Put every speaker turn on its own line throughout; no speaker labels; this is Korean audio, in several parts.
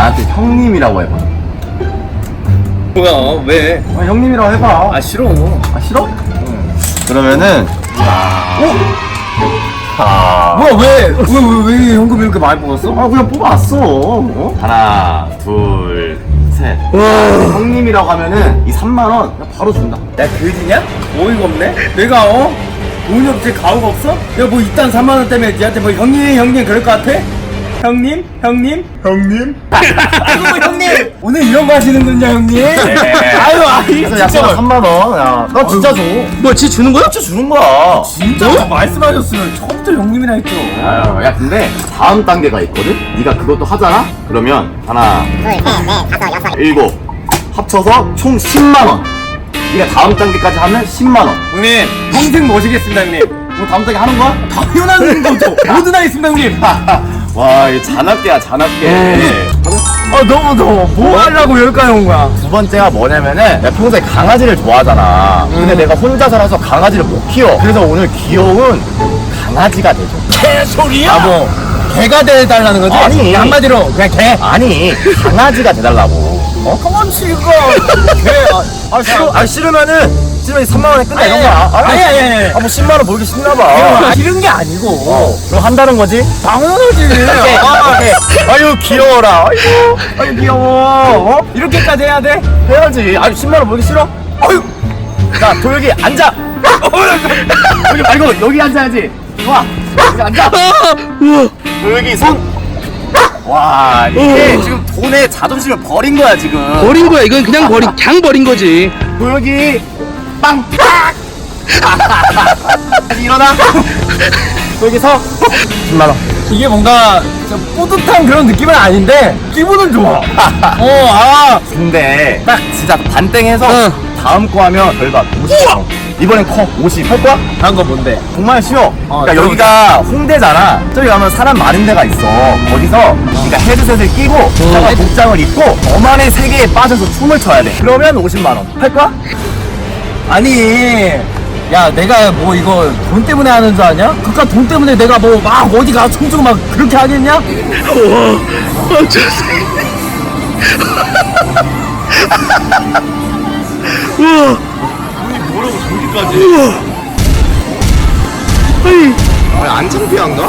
나한테 형님이라고 해봐.
뭐야 왜?
형님이라고 해봐.
아 싫어.
아 싫어? 응. 그러면은
뭐야 왜 현금 이렇게 많이 뽑았어?
아 그냥 뽑아왔어. 어? 하나 둘 셋. 형님이라고 하면은 이 3만원 바로 준다.
야 그지냐? 어이가 없네. 내가 돈이 없지 가오가 없어? 야 뭐 이딴 3만 원 때문에 니한테 뭐 형님 그럴 것 같아? 형님?
형님?
아이고 형님 오늘 이런 거 하시는군요 형님. 아유
그래서 약속 3만원. 야, 나 진짜 줘.
뭐 지 주는 거야?
진짜 주는 거야.
진짜 말씀하셨으면 처음부터 형님이라 했죠.
아유, 야 근데 다음 단계가 있거든? 네가 그것도 하잖아? 그러면 하나 일곱 합쳐서 총 10만원. 네가 다음 단계까지 하면 10만원.
형님 평생 모시겠습니다 형님.
뭐 다음 단계 하는 거야?
당연한 거죠. 뭐든 하겠습니다 형님.
와, 이 잔악계야 잔악계.
너무 뭐 하려고 여기까지 온 거야?
두 번째가 뭐냐면은 내가 평소에 강아지를 좋아하잖아. 근데 내가 혼자 살아서 강아지를 못 키워. 그래서 오늘 귀여운 강아지가 되죠.
개소리야? 뭐 개가 돼달라는 거지?
아니.
한마디로 그냥 개.
아니 강아지가 돼달라고.
강아지가 개.
싫으면은 3만원에 끝내 이런 거야.
아니.
뭐 10만원 벌기 싫나봐.
싫은 게 아니고
그럼 한다는 거지?
당연하지.
아유 귀여워라. 아유 귀여워.
이렇게까지 해야 돼?
해야지. 아유 10만원 벌기 싫어? 아유. 자 도혁이 앉아. 여기 말고 여기 앉아야지. 좋아. 여기 앉아. 도혁이 손. 와 이게 지금 돈에 자존심을 버린 거야 지금.
버린 거야. 이건 그냥 버린 거지.
도혁이 빵. 다시 일어나. 도혁이 서. 10만원.
이게 뭔가 좀 뿌듯한 그런 느낌은 아닌데 기분은 좋아.
근데 딱 진짜 반땡해서 다음 거 하면 결과 50만원. 이번엔 커 50 할 거야?
다른 거 뭔데?
정말 쉬워. 그러니까
저기.
여기가 홍대잖아. 저기 가면 사람 많은 데가 있어. 거기서 네가 헤드셋을 끼고 이따가 복장을 입고 너만의 세계에 빠져서 춤을 춰야 돼. 그러면 50만원. 할 거야?
아니 야 내가 뭐 이거 돈 때문에 하는 줄 아냐? 그니까 돈 때문에 내가 뭐 막 어디 가서 춤추고 막 그렇게 하겠냐?
아니 안 창피한가?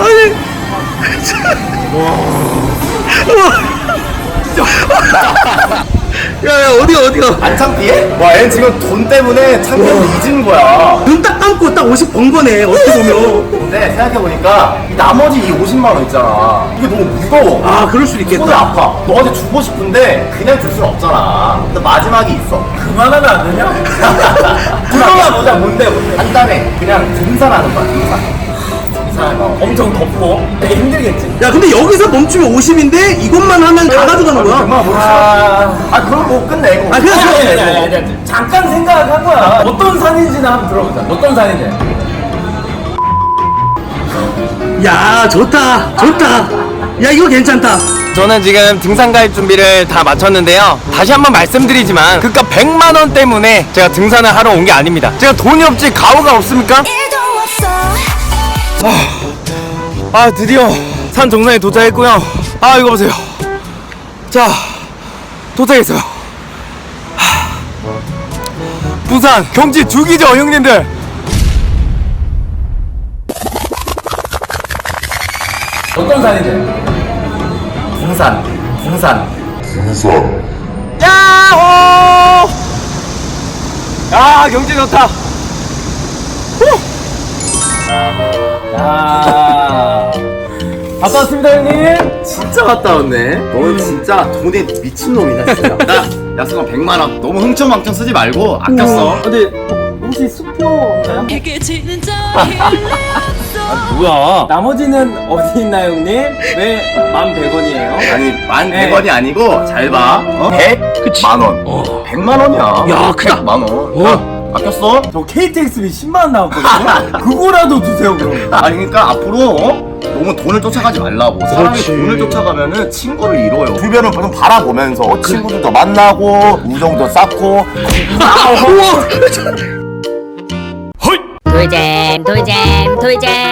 야, 어디가?
안 창피해? 와, 얘는 지금 돈 때문에 창피함을 잊은 거야.
눈 딱 감고 딱 50 번 거네. 어떻게 보면.
근데 생각해보니까 이 나머지 이 50만원 있잖아. 이게 너무 무거워.
아, 그럴 수도
손이
있겠다.
아파. 너한테 주고 싶은데 그냥 줄 수는 없잖아. 근데 마지막이 있어.
그만하면 안 되냐?
들어가 보자. 뭔데? 간단해. 그냥 등산하는 거야. 등산.
엄청 덥고 되게 힘들겠지?
야, 근데 여기서 멈추면 50인데 이것만 하면 다 가져가는 거야.
정말 그럼 뭐 끝내고.
아, 그래서
아니, 잠깐 생각한 거야. 어떤 산인지는 한번 들어보자. 어떤 산인지.
야, 좋다. 야, 이거 괜찮다.
저는 지금 등산 가입 준비를 다 마쳤는데요. 다시 한번 말씀드리지만 그깟 100만원 때문에 제가 등산을 하러 온 게 아닙니다. 제가 돈이 없지 가오가 없습니까? 드디어 산 정상에 도착했고요. 이거 보세요. 자, 도착했어요. 부산 경치 죽이죠 형님들.
어떤 산인지.
등산.
야호! 야 경치 좋다.
갔다 왔습니다 형님.
진짜 갔다 왔네. 너는 진짜 돈에 미친놈이다 진짜. 나 약속한 100만원. 너무 흥청망청 쓰지 말고 아꼈어.
근데 혹시 수표인가요?
뭐야?
나머지는 어디 있나요 형님? 왜 11,100원이에요?
아니 11,100원이
네.
아니고 잘 봐. 100만원. 100만원이야.
야, 크다.
100만원. 아꼈어?
저 KTX비 10만원 나왔거든요? 그거라도 주세요 그럼.
아니 그러니까 앞으로 너무 돈을 쫓아가지 말라고. 사람이 돈을 쫓아가면은 친구를 잃어요. 주변을 좀 바라보면서 친구들도 만나고 우정도 쌓고.
돌잼